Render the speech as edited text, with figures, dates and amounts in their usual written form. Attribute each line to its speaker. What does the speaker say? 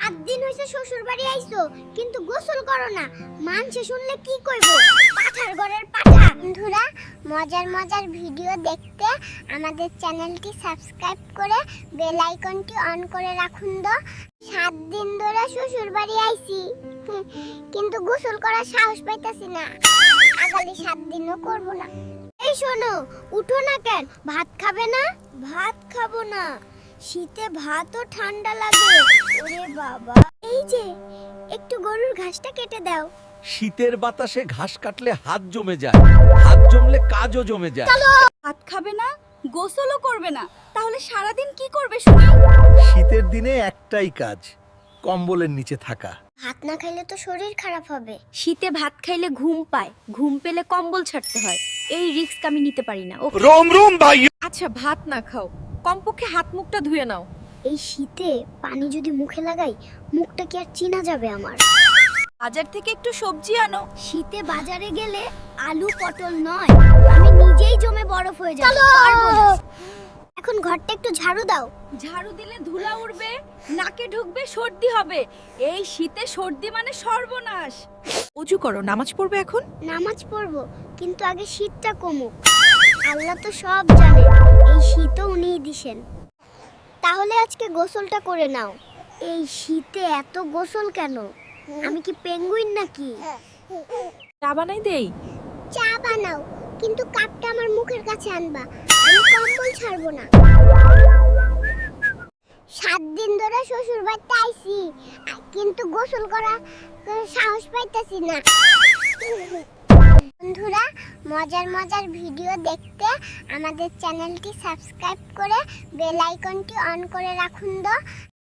Speaker 1: দিন হইছে শ্বশুর বাড়ি আইছো কিন্তু গোসল করো না, মানুষে শুনলে কি কইবো? পাঠার ঘরের পাঠা। বন্ধুরা, মজার মজার ভিডিও দেখতে আমাদের চ্যানেলটি সাবস্ক্রাইব করে বেল আইকনটি অন করে রাখুন। 7 দিন ধরে শ্বশুর বাড়ি আইছি কিন্তু গোসল করার সাহস পাইতাছি না। আগামী 7 দিনও করব না। এই শোনো, উঠো না কেন? ভাত খাবে না? ভাত খাবো না, শীতে ভাতও ঠান্ডা লাগে। ওরে বাবা, এই যে একটু গরুর ঘাসটা কেটে দাও।
Speaker 2: শীতের বাতাসে ঘাস কাটলে হাত জমে যায়, হাত জমলে কাজও জমে যায়।
Speaker 3: ভাত খাবে না, গোসলও করবে না, তাহলে সারাদিন কি করবে শুনি?
Speaker 4: শীতের দিনে একটাই কাজ, কম্বলের নিচে থাকা।
Speaker 1: ভাত না খাইলে তো শরীর খারাপ হবে।
Speaker 3: শীতে ভাত খাইলে ঘুম পায়, ঘুম পেলে কম্বল ছাড়তে হয়। এই রিস্ক আমি নিতে পারি না।
Speaker 2: রোম রোম ভাই।
Speaker 3: আচ্ছা, ভাত না খাও, কমপক্ষে হাত মুখটা ধুয়ে নাও।
Speaker 1: এই শীতে পানি যদি মুখে লাগাই, মুখটা কি আর চিনা যাবে আমার?
Speaker 3: বাজার থেকে একটু সবজি আনো।
Speaker 1: শীতে বাজারে গেলে আলু পটল নয়, আমি নিজেই জমে বরফ হয়ে যাব। পারবো না। এখন ঘরটা একটু ঝাড়ু দাও।
Speaker 3: ঝাড়ু দিলে ধুলা উড়বে, নাকে ঢুকবে, সর্দি হবে। এই শীতে সর্দি মানে সর্বনাশ। অজু করো, নামাজ পড়বে এখন।
Speaker 1: নামাজ পড়বো, কিন্তু আগে শীতটা কমুক। আল্লাহ তো সব জানে, এই শীতও উনিই দিছেন। তাহলে আজকে গোসলটা করে নাও। এই শীতে এত গোসল কেন? আমি কি পেঙ্গুইন নাকি?
Speaker 3: চা বানাই দেই।
Speaker 1: চা বানাও, কিন্তু কাপটা আমার মুখের কাছে আনবা। আমি কম্বল ছাড়বো না। 7 দিন ধরে শ্বশুর বাড়িতে আইছি কিন্তু গোসল করা সাহস পাইতাছি না। বন্ধুরা, মজার মজার ভিডিও দেখতে আমাদের চ্যানেলটি সাবস্ক্রাইব করে বেল আইকনটি অন করে রাখুন।